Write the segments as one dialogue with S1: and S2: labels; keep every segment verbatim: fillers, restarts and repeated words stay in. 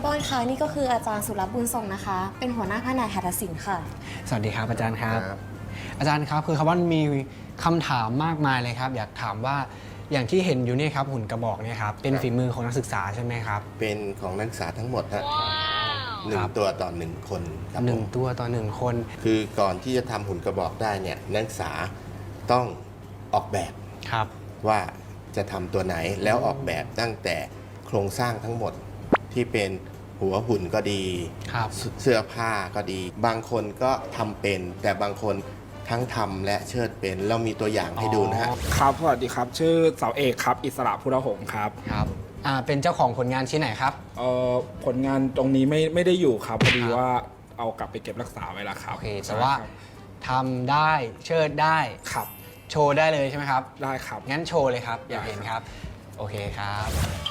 S1: ร์บอนค่ะนี่ก็คืออาจารย์สุรบุญทรงนะคะเป็นหัวหน้าแผนกหัตถศิลป์ค่ะ
S2: สวัสดีครับอาจารย์ครับอาจารย์ครับคือคาร์บอนมีคำถามมากมายเลยครับอยากถามว่าอย่างที่เห็นอยู่นี่ครับหุ่นกระบอกเนี่ยครับเป็นฝีมือของนักศึกษาใช่ไหมครับ
S3: เป็นของนักศึกษาทั้งหมดฮะหนึ่งตัวต่อหนึ่งคนครับ
S2: หนึ่งตัวต่อหนึ่งคน
S3: คือก่อนที่จะทำหุ่นกระบอกได้เนี่ยนักศึกษาต้องออกแบบ
S2: ครับ
S3: ว่าจะทำตัวไหนแล้วออกแบบตั้งแต่โครงสร้างทั้งหมดที่เป็นหัวหุ่นก็ดีเสื้อผ้าก็ดีบางคนก็ทำเป็นแต่บางคนทั้งทำและเชิดเป็นเรามีตัวอย่างให้ดูนะฮะ
S4: ครับสวัสดีครับชื่อเสาเอกครับอิสระพุทธหงส์ครับ
S2: ครับอ่าเป็นเจ้าของผลงานชิ้นไหนครับ
S4: เอ่อผลงานตรงนี้ไม่ไม่ได้อยู่ครับพอดีว่าเอากลับไปเก็บรักษาไว้แล้วครับ
S2: โอเคแต่ว่าทำได้เชิดได้
S4: ครับ
S2: โชว์ได้เลยใช่ไหมครับ
S4: ได้ครับ
S2: งั้นโชว์เลยครับอยากเห็นครับโอเคครับ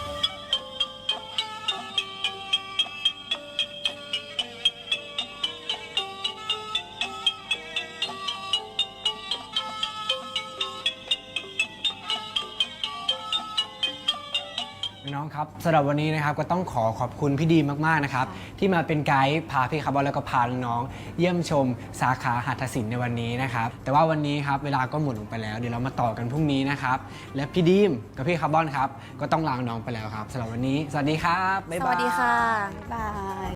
S2: น้องครับสำหรับวันนี้นะครับก็ต้องขอขอบคุณพี่ดีมากๆนะครับที่มาเป็นไกด์พาพี่คาร์บอนแล้วก็พาน้องๆเยี่ยมชมสาขาหัตถศิลป์ในวันนี้นะครับแต่ว่าวันนี้ครับเวลาก็หมดลงไปแล้วเดี๋ยวเรามาต่อกันพรุ่งนี้นะครับและพี่ดีมกับพี่คาร์บอนครับก็ต้องลาน้องไปแล้วครับสำหรับวันนี้สวัสดีครับบ๊ายบาย
S1: สวัสดีค่ะบ๊ายบาย